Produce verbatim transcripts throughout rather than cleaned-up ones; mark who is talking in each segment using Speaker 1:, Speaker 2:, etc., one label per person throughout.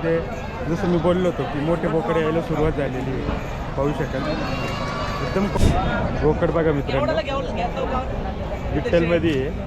Speaker 1: बाजारामध्ये जसं मी बोललो होतो की मोठे बोकडे यायला सुरुवात झालेली आहे, पाहू शकाल. एकदम बोकड बघा मित्रांनो, विठ्ठलमध्ये आहे,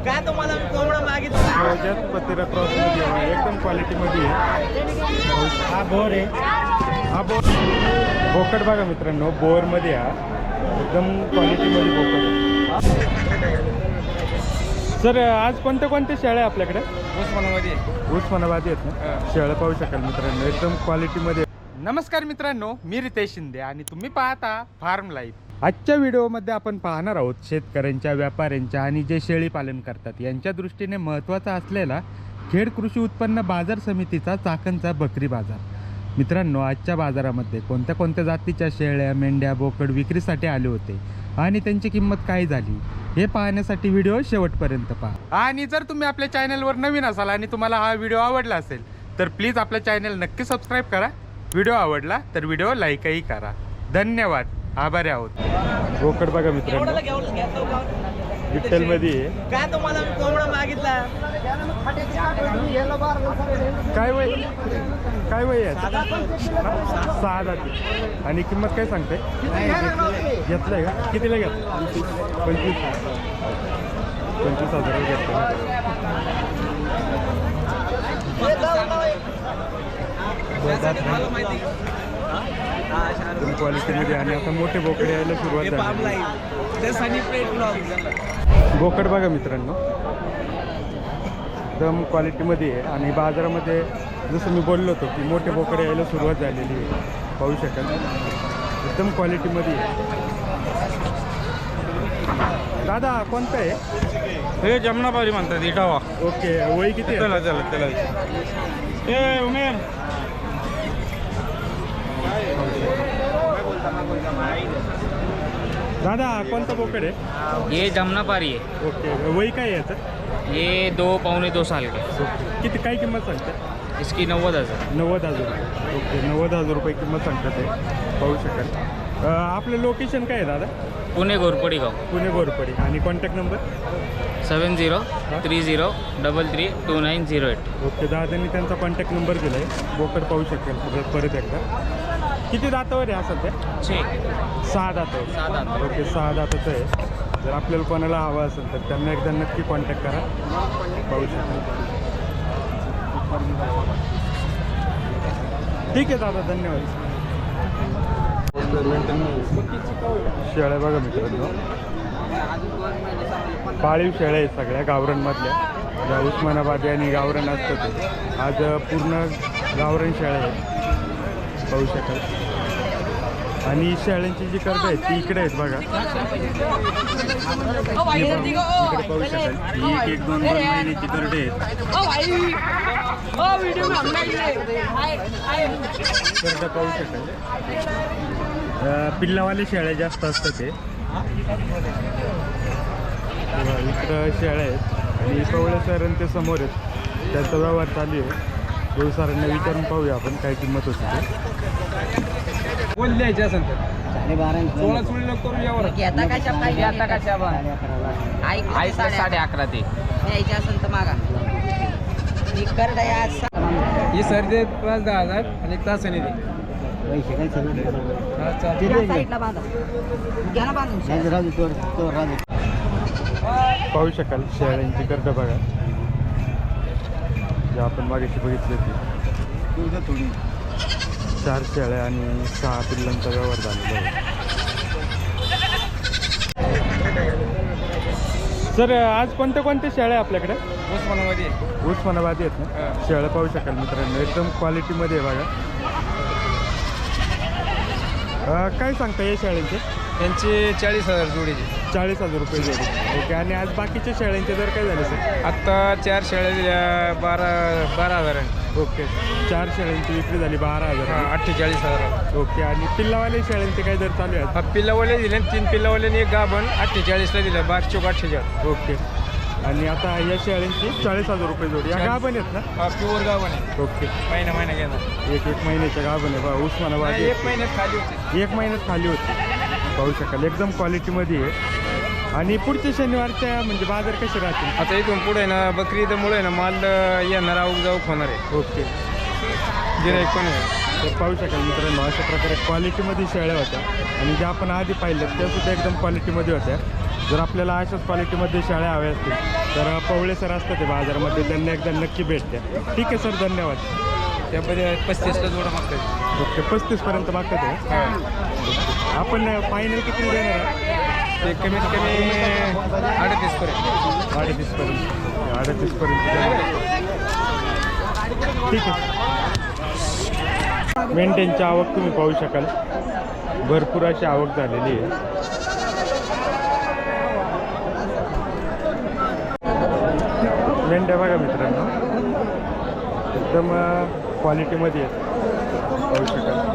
Speaker 1: पत्रा क्रॉसमध्ये आहे, एकदम क्वालिटीमध्ये आहे. हा बोर आहे, हा बोर बोकड बघा मित्रांनो, बोरमध्ये हा एकदम क्वालिटीमध्ये बोकड आहे. सर आज कोणत्या कोणत्या शेळ्या आहे आपल्याकडे?
Speaker 2: उस्मानाबादी
Speaker 1: उस्मानाबादी आहेत ना, शेळ्या पाहू शकाल मित्रांनो, एकदम क्वालिटीमध्ये. नमस्कार मित्रांनो, मी रितेश शिंदे आणि तुम्ही पाहता फार्म लाईफ. आजच्या व्हिडिओमध्ये आपण पाहणार आहोत शेतकऱ्यांच्या, व्यापाऱ्यांच्या आणि जे शेळी पालन करतात यांच्या दृष्टीने महत्त्वाचा असलेला खेड कृषी उत्पन्न बाजार समितीचा चाकणचा बकरी बाजार. मित्रांनो, आजच्या बाजारामध्ये कोणत्या कोणत्या जातीच्या शेळ्या, मेंढ्या, बोकड विक्रीसाठी आले होते आणि त्यांची किंमत काय झाली हे पाहण्यासाठी व्हिडिओ शेवटपर्यंत पहा. आणि जर तुम्ही आपल्या चॅनलवर नवीन असाल आणि तुम्हाला हा व्हिडिओ आवडला असेल तर प्लीज आपल्या चॅनल नक्की सबस्क्राईब करा. व्हिडिओ आवडला तर व्हिडिओ लाईकही करा. धन्यवाद, आभारी आहोत. बोकड बघा मित्रांनो, विठ्ठलमध्ये आहे.
Speaker 2: काय तुम्हाला मी कोंबडा मागितला?
Speaker 1: काय वय काय वय आहे? सहा जाती. आणि किंमत काय सांगते? घेतलंय का? कितीला घेतलं? पंचवीस पंचवीस हजार घेतलं. क्वालिटीमध्ये. आणि आता मोठे बोकडे यायला सुरुवात झाली. बोकड बघा मित्रांनो, एकदम क्वालिटीमध्ये आहे आणि बाजारामध्ये जसं मी बोललो होतो की मोठे बोकडे यायला सुरुवात झालेली आहे, पाहू शकाल. एकदम क्वालिटीमध्ये आहे. दादा कोणतं आहे?
Speaker 2: हे जमनाबारी म्हणतात, इटावा.
Speaker 1: ओके, वय किती?
Speaker 2: चला चला चला ए उमेर.
Speaker 1: दादा कोणता बोकड आहे?
Speaker 3: ये जमनापारी है।
Speaker 1: ओके, वय काय आहे याचं?
Speaker 3: ये दो पौने दो साल के।
Speaker 1: किती काय किंमत सांगते?
Speaker 3: इसकी नव्वद हज़ार।
Speaker 1: नव्वद हजार रुपये. ओके, नव्वद हजार रुपये किंमत सांगतात ते, पाहू शकाल. अ, आपलं लोकेशन काय आहे दादा?
Speaker 3: पुणे घोरपडी गाव।
Speaker 1: पुणे घोरपडी. आणि contact number?
Speaker 3: Seven zero three zero double three two nine zero eight.
Speaker 1: Okay, दादांनी त्यांचा कॉन्टॅक्ट नंबर दिला आहे. बोकड पाहू शकेल परत परत एकदा. किती दातावर आहे हा सध्या?
Speaker 3: छे
Speaker 1: सहा दातावर.
Speaker 3: सहा दात।
Speaker 1: ओके, सहा दाताचं आहे. जर आपल्याला कोणाला हवं असेल तर त्यांना एकदा नक्की कॉन्टॅक्ट करा, पाहू शकाल. ठीक आहे दादा, धन्यवाद. शेळ्या बघा मित्रांनो, पाळीव शेळ्या आहेत सगळ्या गावरांमधल्या, ज्या उस्मानाबादी आणि गावरान असतं ते. आज पूर्ण गावरान शेळ्या आहेत, पाहू शकाल. आणि शेळ्यांची जी कर्ड आहेत ती इकडे आहेत बघा, इकडे पाहू शकाल. ही एक एक दोन दोन महिन्याची कर्ड आहेत. कर्ड पाहू शकाल. पिल्लावाले शेळ्या जास्त असतात ते. इकडं शेळ्या आहेत आणि कवळे सर ते समोर आहेत, त्यांचा व्यवहार चालू आहे. देव सरांना विचारून पाहूया आपण काय किंमत होती ते.
Speaker 2: बोल द्यायचे असेल तर सोळा चोळी लोक करून यावर
Speaker 3: साडे अकरा ते
Speaker 2: ही सर्दी पाच दहा हजार आणि एक तासाने दे.
Speaker 1: पाहू शकाल शेळ्यांची गर्द बघा, जे आपण मागेशी बघितली होती. चार शेळ्या आणि सहा पिल्लांचा व्यवहार झालेला आहे. सर आज कोणत्या कोणत्या शेळ्या आपल्याकडे?
Speaker 2: उस्मानाबादी
Speaker 1: उस्मानाबादी आहेत ना, शेळ्या पाहू शकाल मित्रांनो, एकदम क्वालिटीमध्ये आहे बघा. काय सांगता या शेळ्यांचे?
Speaker 2: त्यांची चाळीस हजार जोडीची.
Speaker 1: चाळीस हजार रुपये जोडी. ओके, आणि आज बाकीच्या शेळ्यांचे दर काय झाले सर?
Speaker 2: आत्ता चार शेळ्या दिल्या बारा बारा हजार.
Speaker 1: ओके, चार शेळ्यांची विक्री झाली बारा हजार.
Speaker 2: अठ्ठेचाळीस हजार.
Speaker 1: ओके, आणि पिल्लावाले शेळ्यांचे काय दर चालू आहेत?
Speaker 2: हा पिल्लावाले दिले, तीन पिल्लावाल्याने एक गाभण अठ्ठेचाळीसला दिलं, बारा चौक अठ्ठेचाळीस.
Speaker 1: ओके, आणि आता या शेळ्यांची चाळीस हजार रुपये जोडी. या गाभण आहेत ना?
Speaker 2: हा प्युअर गाभण आहे.
Speaker 1: ओके,
Speaker 2: महिना महिना घेणार.
Speaker 1: एक एक महिन्याच्या गाभण आहे बा, उस्मानाबादी.
Speaker 2: एक महिन्यात खाली होते.
Speaker 1: एक महिन्यात खाली होती, पाहू शकाल. एकदम क्वालिटीमध्ये आहे. आणि पुढच्या शनिवारच्या म्हणजे बाजार कसे राहतील?
Speaker 2: आता इथून पुढे ना बकरी ईदमुळे ना माल येणार आवक जाऊक होणार आहे.
Speaker 1: ओके,
Speaker 2: गिराईक पण आहे.
Speaker 1: तर पाहू शकाल मित्रांनो अशा प्रकारे क्वालिटीमध्ये शेळ्या होत्या आणि ज्या आपण आधी पाहिल्यात त्या सुद्धा एकदम क्वालिटीमध्ये होत्या. जर आपल्याला अशाच क्वालिटीमध्ये शेळ्या हव्या असतील तर पवळे सर असतात ते बाजारामध्ये, त्यांना एकदा नक्की भेट द्या. ठीक आहे सर, धन्यवाद.
Speaker 2: त्यामध्ये पस्तीसला जोडा मागतात.
Speaker 1: ओके, पस्तीसपर्यंत मागतात आहे. आपण फायनल किती देणार आहे?
Speaker 2: ते कमीत कमी अडतीसपर्यंत.
Speaker 1: अडतीसपर्यंत अडतीसपर्यंत देणार. ठीक आहे. मेंढ्यांची आवक तुम्ही पाहू शकाल, भरपूर अशी आवक झालेली आहे. मेंढ्या बघा मित्रांनो, एकदम क्वालिटीमध्ये आहेत, पाहू शकाल.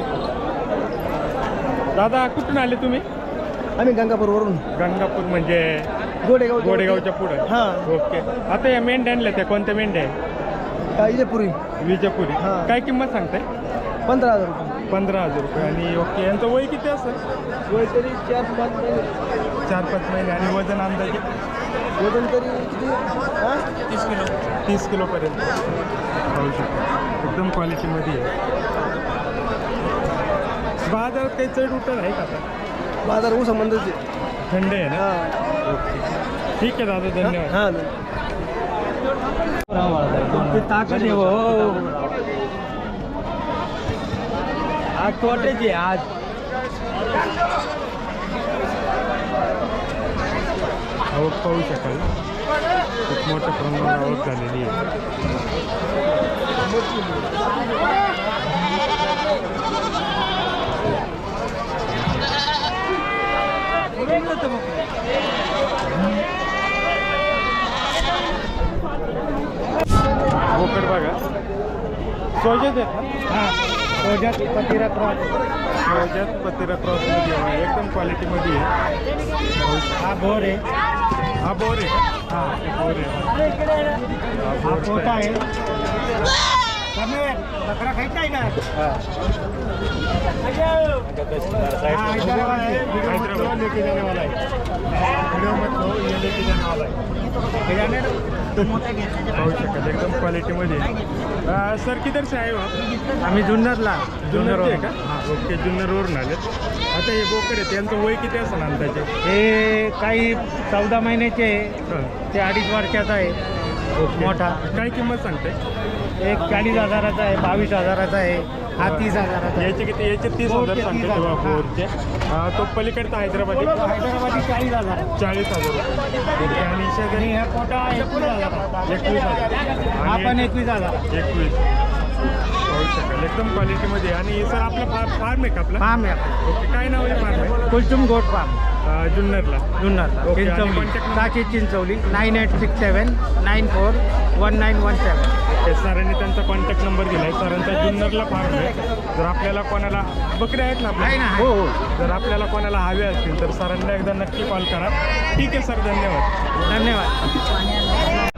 Speaker 1: दादा कुठून आले तुम्ही?
Speaker 4: आम्ही गंगापूरवरून.
Speaker 1: गंगापूर म्हणजे
Speaker 4: गोडेगाव.
Speaker 1: गोडेगावच्या पुढं.
Speaker 4: हां.
Speaker 1: ओके. आता या मेंढ्या आणल्या त्या कोणत्या मेंढ्या आहे?
Speaker 4: इजेपुरी.
Speaker 1: विजयपुरी.
Speaker 4: हां.
Speaker 1: काय किंमत सांगताय?
Speaker 4: पंधरा हजार रुपये.
Speaker 1: पंधरा हजार रुपये. आणि ओके, यांचं वय किती असेल?
Speaker 4: वय तरी चार पाच महिने.
Speaker 1: चार पाच महिने. आणि वजन अंदाजे?
Speaker 4: वजन तरी किती? हां,
Speaker 3: तीस किलो.
Speaker 1: तीस किलोपर्यंत पाहू शकतो. एकदम क्वालिटीमध्ये आहे. बाजारात काही चढ उतर आहे का आता?
Speaker 4: बाजार ऊस संबंधच.
Speaker 1: थंड आहे ना?
Speaker 4: हां.
Speaker 1: ओके, ठीक आहे दादा, धन्यवाद.
Speaker 4: हां. ताकद आहे हो. आज तोट्याची आज.
Speaker 1: आवक पाहू शकाल, खूप मोठ्या प्रमाणात आवक झालेली आहे. बोकड बघा, सोजत आहेत ना?
Speaker 4: सोजात पतिरा क्रॉस.
Speaker 1: सोजत पतिरा क्रॉसमध्ये आहे, एकदम क्वालिटीमध्ये आहे.
Speaker 4: हा बोर आहे.
Speaker 1: हा बोर आहे का?
Speaker 4: हा
Speaker 1: बोर आहे. हा
Speaker 4: हा
Speaker 1: बोर
Speaker 4: पोटा आहे. बकरा खायचा आहे ना? हाँ, हैदराबाद है.
Speaker 1: हैदराबाद लेके जाने वाला है. व्हिडिओ मत लो, ये लेके जाने वाला है. पाहू शकाल, एकदम क्वालिटीमध्ये. सर किधर से आए हो आप?
Speaker 4: आम्ही जुन्नरला.
Speaker 1: जुन्नर आहे का? ओके, जुन्नरवरून आले. आता हे बोकड आहे, त्यांचं वय किती असेल अंदाजे?
Speaker 4: हे काही चौदा महिन्याचे आहे,
Speaker 1: हां.
Speaker 4: ते अडीच वर्षाचा आहे.
Speaker 1: ओके.
Speaker 4: मोठा
Speaker 1: काय किंमत सांगते?
Speaker 4: एक चाळीस हजाराचा आहे, बावीस हजाराचा आहे, हा तीस हजाराचा आहे.
Speaker 1: याचे किती? याचे तीस हजार
Speaker 4: बोरचे
Speaker 1: सांगते
Speaker 4: तीस
Speaker 1: तेव्हा
Speaker 4: हजार.
Speaker 1: बोरचे. हा, तो पलीकडचा हैदराबादी
Speaker 4: हैदराबादी चाळीस हजार.
Speaker 1: चाळीस हजार. ओके. आणि शेजारी
Speaker 4: आणि हा पोटा एकवीस हजार.
Speaker 1: एकवीस हजार.
Speaker 4: हा
Speaker 1: आणि
Speaker 4: पण एकवीस हजार.
Speaker 1: एकवीस. पाहू शकाल, एकदम क्वालिटीमध्ये. आणि सर आपला फार्म फार्म आहे का आपला?
Speaker 4: फार्म आहे.
Speaker 1: ओके, काय नाव आहे फार्म आहे?
Speaker 4: कुलचुम गोट फार्म.
Speaker 1: अं, जुन्नरला.
Speaker 4: जुन्नरला.
Speaker 1: ओके. आणि
Speaker 4: Chinchwali.
Speaker 1: contact number?
Speaker 4: Sachi Chinchavali. Nine eight six seven nine four one nine one seven.
Speaker 1: Okay, सरांनी त्यांचा कॉन्टॅक्ट नंबर दिला आहे. सरांचा जुन्नरला फार्म आहे. जर आपल्याला कोणाला बकऱ्या आहेत ना आपल्या?
Speaker 4: आहे ना, आहे.
Speaker 1: हो हो. जर आपल्याला कोणाला हवे असतील तर सरांना एकदा नक्की कॉल करा. ठीक आहे सर, धन्यवाद.
Speaker 4: धन्यवाद.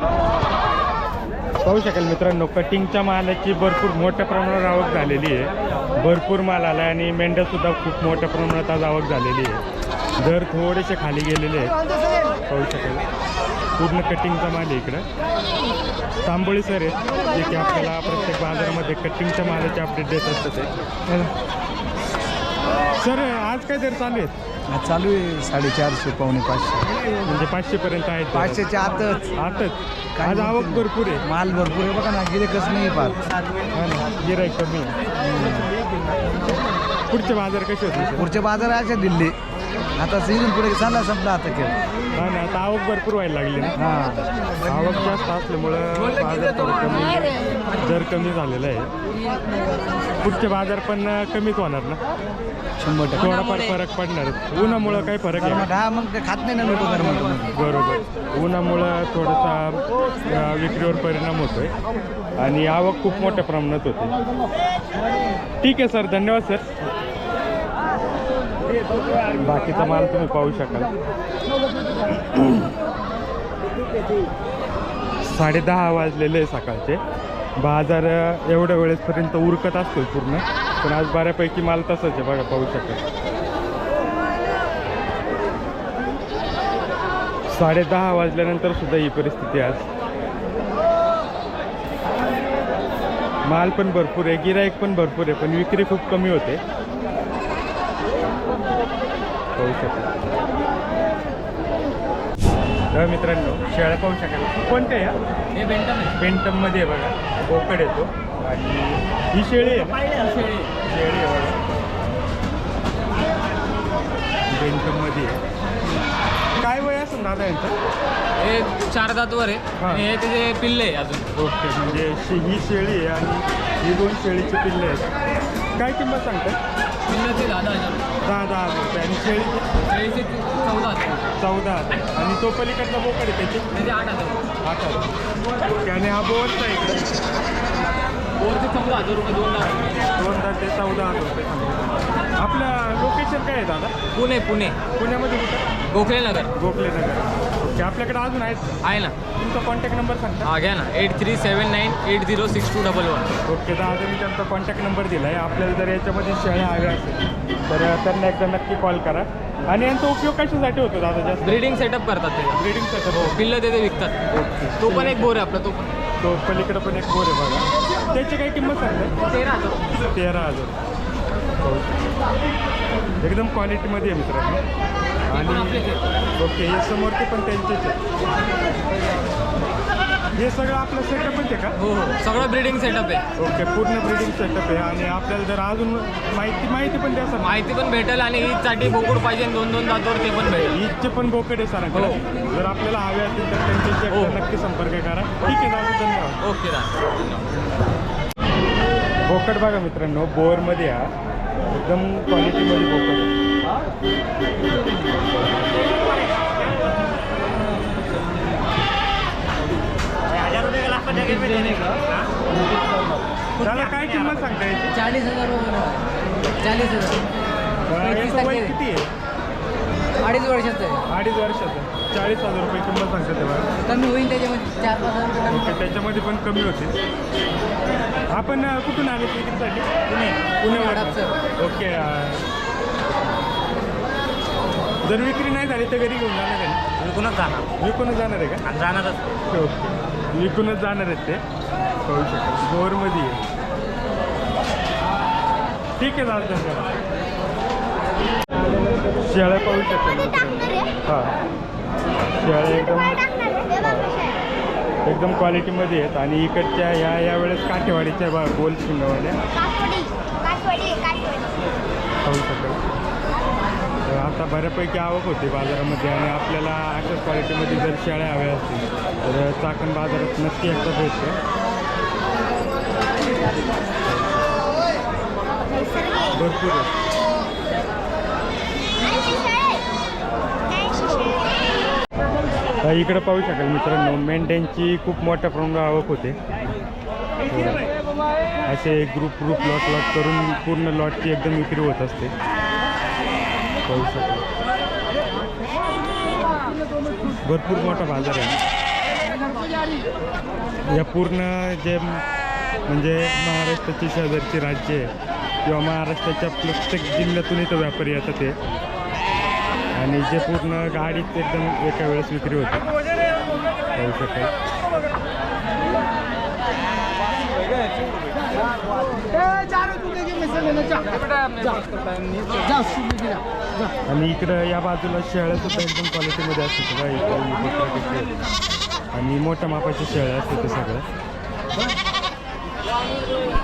Speaker 1: पाहू शकाल मित्रांनो, कटिंगच्या मालाची भरपूर मोठ्या प्रमाणावर आवक झालेली आहे. भरपूर माल आला आणि मेंढ्यासुद्धा खूप मोठ्या प्रमाणात आज आवक झालेली आहे. दर थोडेसे खाली गेलेले आहेत, पाहू शकाल. पूर्ण कटिंगचा माल आहे इकडं. तांबोळी सर आहेत जे की आपल्याला प्रत्येक बाजारामध्ये कटिंगच्या मालाचे अपडेट देत असतात ते. सर आज काय दर चालू आहेत?
Speaker 4: चालू आहे साडेचारशे पावणे पाचशे.
Speaker 1: म्हणजे पाचशेपर्यंत आहेत.
Speaker 4: पाचशेच्या आतच.
Speaker 1: आताच आज आवक भरपूर आहे.
Speaker 4: माल भरपूर आहे बघा ना, गिरे कसं नाही पाहत.
Speaker 1: हा ना, गिऱ्हाईक कमी आहे. पुढचे बाजार कसे होते सर?
Speaker 4: पुढचे बाजार असे दिल्ली. आता सीझन पुढे चालला संपला आता खेळ.
Speaker 1: हा ना, आता आवक भरपूर व्हायला लागली ना.
Speaker 4: हां.
Speaker 1: आवक जास्त असल्यामुळं बाजार थोडं कमी, दर कमी झालेला आहे. पुढचे बाजार पण कमीच होणार ना,
Speaker 4: शंभर टक्के.
Speaker 1: थोडाफार फरक पडणार. उन्हामुळं काही फरक आहे?
Speaker 4: हा मग ते खात नाही ना लोक गरम.
Speaker 1: बरोबर, उन्हामुळं थोडासा अ, विक्रीवर परिणाम होतोय आणि आवक खूप मोठ्या प्रमाणात होते. ठीक आहे सर, धन्यवाद सर. बाकीचा माल तुम्ही पाहू शकाल. साडे दहा वाजलेले आहे सकाळचे. बाजार एवढ्या वेळेसपर्यंत उरकत असतो पूर्ण, पण आज बऱ्यापैकी माल तसंच आहे बघा, पाहू शकाल. साडे दहा वाजल्यानंतर सुद्धा ही परिस्थिती आज. माल पण भरपूर आहे, गिराईक पण भरपूर आहे, पण विक्री खूप कमी होते. पाहू शकाल. तर मित्रांनो शेळ्या पाहू शकाल. कोणत्या या
Speaker 3: हे बेंटम आहे.
Speaker 1: पेंटममध्ये आहे बघा, बोकड येतो. आणि ही शेळी आहे ना?
Speaker 3: शेळी
Speaker 1: शेळी आहे बघा, पेंटममध्ये आहे. काय वय असेल दादा यांचं?
Speaker 3: हे चार दातवर आहे
Speaker 1: हा.
Speaker 3: आणि हे त्याचे पिल्ले आहे अजून.
Speaker 1: ओके, म्हणजे शे- ही शेळी आहे आणि ही दोन शेळीचे पिल्ले आहेत. काय किंमत सांगताय?
Speaker 3: पिल्लाचे दहा दहा हजार
Speaker 1: दहा दहा हजार रुपये. आणि शेळीची
Speaker 3: शेळीचे चौदा हजार
Speaker 1: चौदा हजार. आणि तो पलीकडचा बोकड आहे त्याची
Speaker 3: त्याचे आठ हजार
Speaker 1: आठ हजार. ओके. आणि हा बोवरचा आहे इकडे
Speaker 3: बोरचे चौदा हजार रुपये दोन लाख.
Speaker 1: दोन हजार ते चौदा हजार रुपये सांगितलं. आपलं लोकेशन काय आहे दादा?
Speaker 3: पुणे पुणे
Speaker 1: पुण्यामध्ये कुठं?
Speaker 3: गोखले नगर
Speaker 1: गोखले नगर. ओके. आपल्याकडे अजून आहेत.
Speaker 3: आहे ना.
Speaker 1: तुमचा कॉन्टॅक्ट नंबर सांगता?
Speaker 3: हा घ्या ना eight three seven nine eight zero six two double one.
Speaker 1: Okay. दादा मी त्यांचा कॉन्टॅक्ट नंबर दिला आहे. आपल्याला जर याच्यामध्ये शेळ्या हव्या असेल तर त्यांना एकदा नक्की कॉल करा. आणि यांचा उपयोग कशासाठी होतो दादा जास्त?
Speaker 3: ब्रीडिंग सेटअप करतात ते.
Speaker 1: Breeding setup.
Speaker 3: पिल्लं ते विकतात.
Speaker 1: ओके.
Speaker 3: तो पण एक बोर आहे आपला. तो पण
Speaker 1: तो पलीकडे पण एक बोर आहे बघा. त्याची काय किंमत सांगताय?
Speaker 3: तेरा हजार.
Speaker 1: तेरा हजार. एकदम क्वालिटीमध्ये आहे मित्रांनो. आणि ओके, हे समोरचे पण त्यांचेच आहे. हे सगळं आपलं सेटअपच आहे का?
Speaker 3: हो हो सगळं ब्रीडिंग सेटअप आहे.
Speaker 1: ओके, पूर्ण ब्रीडिंग सेटअप आहे. आणि आपल्याला जर अजून माहिती माहिती पण द्या सर.
Speaker 3: माहिती पण भेटेल आणि ईदसाठी बोकड पाहिजे दोन दोन दातवर ते पण भेटेल.
Speaker 1: ईदचे पण बोकड आहे सरांकडे.
Speaker 3: हो.
Speaker 1: जर आपल्याला हवे असतील तर त्यांच्याशी
Speaker 3: हो.
Speaker 1: एकदा नक्की संपर्क करा. ठीक आहे दादा, धन्यवाद.
Speaker 3: ओके दादा.
Speaker 1: बोकड बघा मित्रांनो, बोरमध्ये हा एकदम क्वालिटीमध्ये बोकड आहे. त्याला काय किंमत सांगता याची?
Speaker 3: चाळीस हजार चाळीस हजार
Speaker 1: याचं वय किती आहे?
Speaker 3: अडीच वर्षाचं आहे.
Speaker 1: अडीच वर्षाचं. चाळीस हजार रुपये किंमत सांगते तेव्हा.
Speaker 3: कमी होईल त्याच्यामध्ये चार पाच हजार
Speaker 1: ओके, त्याच्यामध्ये पण कमी होते. आपण अ, कुठून आले विक्रीसाठी? पुणे. पुण्यावर.
Speaker 3: हडपसर.
Speaker 1: ओके. अ, जर विक्री नाही झाली तर घरी घेऊन जाणार आहे?
Speaker 3: विकूनच जाणार.
Speaker 1: विकूनच जाणार आहे का?
Speaker 3: आणि जाणारच.
Speaker 1: ओके, विकूनच जाणार आहेत ते. कळू शकतो. बोरमध्ये आहे. ठीक आहे दादा, धन्यवाद. शेळ्या पाहू शकतो. हां, शेळ्या एकदम एकदम क्वालिटीमध्ये आहेत. आणि इकडच्या ह्या यावेळेस काठेवाडीच्या बा गोल शिंगवाल्या पाहू शकतो. तर आता बऱ्यापैकी आवक होते बाजारामध्ये. आणि आपल्याला अशाच क्वालिटीमध्ये जर शेळ्या हव्या असतील तर चाकण बाजारात नक्की एकदा भेटते. भरपूर आहे. इकडे पाहू शकाल मित्रांनो, मेंढ्यांची खूप मोठ्या प्रमाणात आवक होते. असे ग्रुप ग्रुप लॉट लॉट करून पूर्ण लॉटची एकदम विक्री होत असते. पाहू शकाल, भरपूर मोठा बाजार आहे. या पूर्ण जे म्हणजे महाराष्ट्राची शेजारची राज्य आहे किंवा महाराष्ट्राच्या प्रत्येक जिल्ह्यातून इथं व्यापारी येतात ते. आणि जे पूर्ण गाडीत एकदम एका वेळेस विक्री होते. पाहू शकाल. आणि इकडं या बाजूला शेळ्या सुद्धा एकदम क्वालिटीमध्ये असते बघा. इकडे आणि मोठ्या मापाच्या शेळ्या असतात ते सगळं.